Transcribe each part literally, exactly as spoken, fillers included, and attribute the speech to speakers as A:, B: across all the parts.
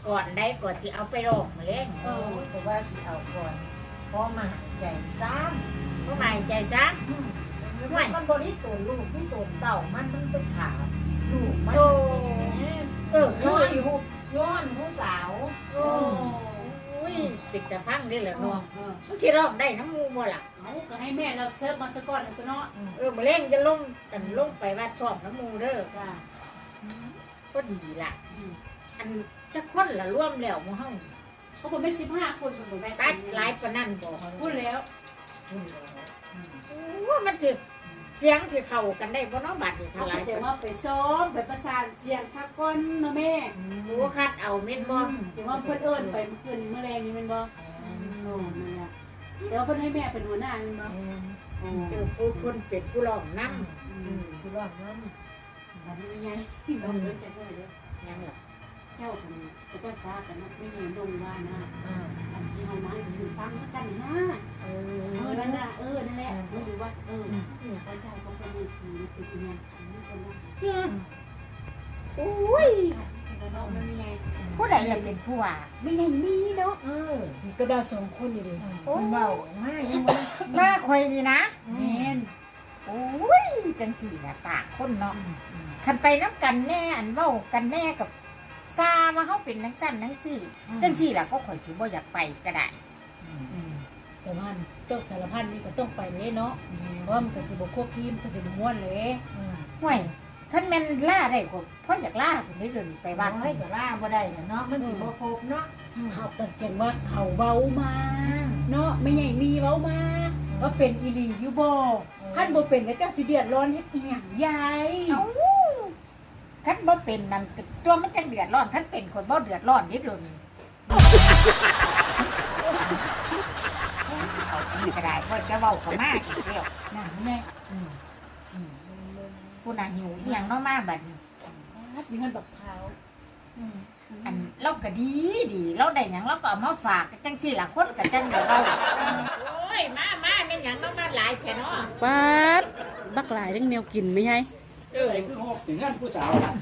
A: ก่อนได้ก่อนสิเอาไปลองมาเล่น
B: เออแต่ว่าสิเอาก่อนพอมาใหญ่ซ้
A: ก็หมายใจซะ
B: ำมันมันบริตัวลูกที่ตัวเต่ามันมันไปขาลูกมัน
A: โอ้เออ
B: ย้
A: ย้
B: อ
A: อน
B: นหูย้อนผู้สาว
A: โอ้ยติดแต่ฟังได้เหรอ
C: เอ
A: น้อ
C: อง เออ
A: มันสิร้องได้น้ำมูบ่ล่ะ
C: เอาก็ให้แม่เราเชิญมาสักก้อนหนึ่งตัวเนาะ
A: เออมาเล่นจะลงกันลงไปว่าชอบน้ำมูเด้อ
C: จ้า
A: ก็ดีล่ะ
C: อืม
A: อันจะคนละร่วมแล้วหมู่เฮา
C: เขาบอกเป็นสิบห้าคนคนบอกแม่
A: ตัดหลายปานนั้นบ่
C: พูดแล้ว
A: โอ้มันสิเสียงสิเข้ากันได้บ่เนาะบัดนี้
C: เขา
A: เท่าหลาย
C: จะว่าไปซ้อมไปประสานเสียงสักก้อนนะแม่
A: โอ้คัดเอาแม่นบ่
C: จะว่าเพื่อนเอิญไปเพื่อนเมื่อแรงนี่มันบ่โอ้นั่นแหละเดี๋ยวเพื่อนให้แม่เป็นหัวหน้ามันบ่โอ้
A: เออผู้คนเป็นผู้ร้องนำ
C: อื
A: อื
C: ม
A: ม
B: คือว่ามัน
C: อันนี้ไงเราเริ่มจะเพื่อนเด้อ
A: ยังล่ะ
C: เจ้าคนพระเจ้าฟ้ากันนะไม่เห็นลงว่านะ
B: อ่า
C: อันที่เรามาอยู่ฟังกันนะ
B: เอ
C: เออ
B: อ
C: นั่นน่ะเออนั่นแหละไม่รู้ว่าเออพระเจ้าก็เป็นสีเป็นยังไงเป็นยัง
A: โอ้ย
C: เรามันยังไง
A: ผู้ใดล่ะเป็นผู้ว่าไม่ยังมีเนาะ
B: เออ
C: มีก็ดาวสองคนอยู่ดิ
B: มันเบาง่ายยังไง
A: มาข่อยนี่นะ
C: แมน
A: โอ้ยจังสี่น่ะปากคนเนาะคันไปน้ำกันแน่อันเว้ากันแน่กับซาว่าเฮาเป็นนังสั้นนังสี่จังสี่ล่ะก็ข่อยสิบ่อยากไปก็ได้
C: แต่ว่าต้องสารพันนี่ก็ต้องไปเลยเนาะเพราะมันก็สิบควบทีมก็สิบม้วนเลย
A: ห่วยคันแม่นล่าได้ก็เพราะอยากล่าคนนี้เดินไป
B: ไป
A: บ้า
B: บ้าน นให้กับล่าบ่ได้เนาะมันสิบ่ครบเนาะ
C: เขาตัดเขียนว่าเขาเบามาเนาะไม่ใหญ่มีเบามาว่าเป็นอีลียูโบท่านบ่เป็นก็เจ้าสิเดือดร้อนเฮ็ดอีหยังใหญ่
A: เอ้าคันบ่เป็นนั่นตัวมันจังเดือดร้อนคันเป็นคนบ่เดือดร้อนนิดเดียวนี่เอาอีกก็ได้เพราะจะเว้าก็มาอีกแล้ว
C: นั่นแม่
A: อืมอืมผู้น่ะหิวอีหยังเนาะมาบัดนี้
C: มีเงินบักเผา
A: อืมอันเราก็ดีดีเราได้หยังเราก็เอามาฝากจังซี่ล่ะคนก็จังเดี๋ยวเราโอ้ยมามาแม่นหยังเนาะมาหลายแท้เนาะ
C: ป๊าดบักหลายเรื่องแนวกินไม่ใช่
D: เออคือหกถึงงานผู้สาวน่ะ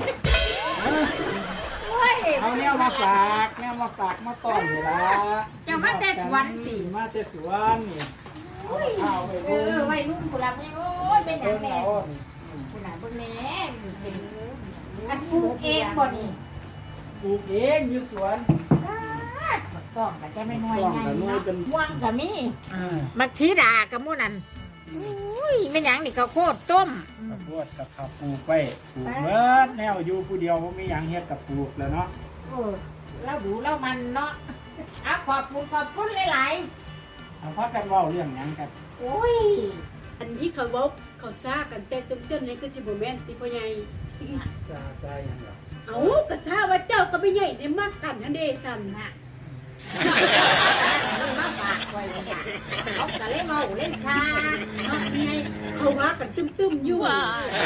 A: โอ้ย
D: เอาแนวมาฝากแนวมาฝากมาต้อนนี่ล่ะ
A: เจ้ามาแต่สวนสิ
D: มาแต่สวนนี่เอาข้าวไป
A: เอ
D: เบิ่ง
A: อไว้รุ่นผู้รับนี่โอ้ยเป็นหยั
D: เบิ่
A: ง
D: ง
A: แน่
D: เอา
A: ผู้น่ะเบิ่งแน่เป็นอันปลูกเองบ่นี่
D: ปลูกเองอยู่สวน
A: บักต้องก็จะไม่น้อย
D: ต้อง
A: ใหญ่
D: ก็น้อย
A: เนาะ
D: เป็น
A: ม่วงก็มี
D: อ่า
A: มักชีดากับหมู่นั่นอุ้ยแม่นหยังนี่ข้าวโพดต้ม
D: ข้าวโพดกับข้าวปลูกไว้ปลูกเบิดแนวอยู่ผู้เดียวบ่มีหยังเฮ็ดกับปลูกแล้วเนาะ
A: เออเราดูเรามันเนาะอ่ะขอบคุณขอบคุณหลาย
D: เอาพักกันเว้าเรื่องหยังกัน
A: ๆโอ้ย
C: อันที่เขาเว้าเขาซ่ากันแต่ต้นๆนี่ก็สิบ่แม่นติพ่อใหญ่
D: ซาซาหยังล่ะ
C: เอากระชาว่าเจ้าก็ไม่ใหญ่ได้มากกันนั่นเด้สั่น
A: น่ะน้อยเจ้าอันนั้นนี่มาฝากไว้นี่ล่ะเขาก็เลยเมาเล่นซา
C: เนาะนี่ไงเขาว่ากันตึมๆอยู่ว่า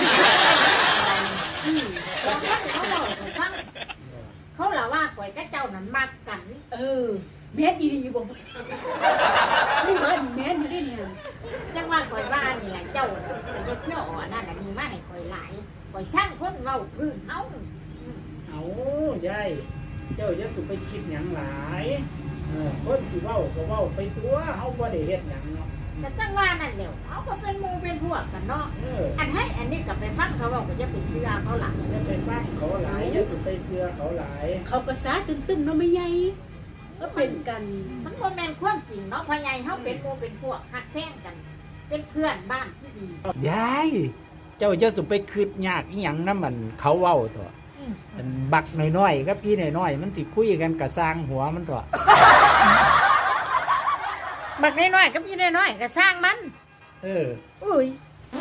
C: อืม
A: เขาเขาบอกให้ฟังเขาเล่าว่าข่อยกับเจ้านั้นมักกัน
C: เออแม่นอีหลีอยู่บ่ไม่ว่าแม่นอยู่ได้เนี่ย
A: จังว่าข่อยว่านี่แหละเจ้าแต่จะเที่ยวอ่อนนั่นน่ะนี่มาให้ข่อยหลายข่อยช่างคนเว้าพื้นเฮา
D: เอายายเจ้าอย่าสุไปคิดหยังหลายเออคนสิเว้าก็เว้าไปตัวเฮาบ่ได้เฮ็ดหยังเนาะ
A: แต่จังว่านั่นเดี๋ยวเขาก็เป็นหมูเป็นพวกกันเนาะ
D: เออ
A: อันให้อันนี้กลับไปฟังเขาบอกก็จะไปเสื้อเขาหลัง
D: อย่าไปฟังเขาหลายอย่าสุไปเสือเขาหลาย
C: เขาก็ซ่าตึมๆเนาะไม่ใหญ่ก็เป็นกัน
A: มันบ่แม่นความจริงเนาะพ่อใหญ่เขาเป็นหมูเป็นพวกหักแท้งกัน เป็นเพื่อนบ้านที่ดี
D: ยายเจ้าจะสุไปคืดยากอีหยังนำมันเขาเว้าตัวอันบักน้อยๆกับพี่น้อยๆมันสิคุยกันกะสร้างหัวมันตัว
A: บักน้อยๆกับพี่น้อยๆก็สร้างมัน
D: เออ
A: อุ้ย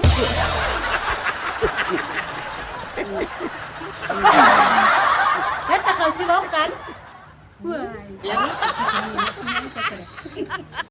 C: แล้วแต่เขาสิเว้ากันเพื่อ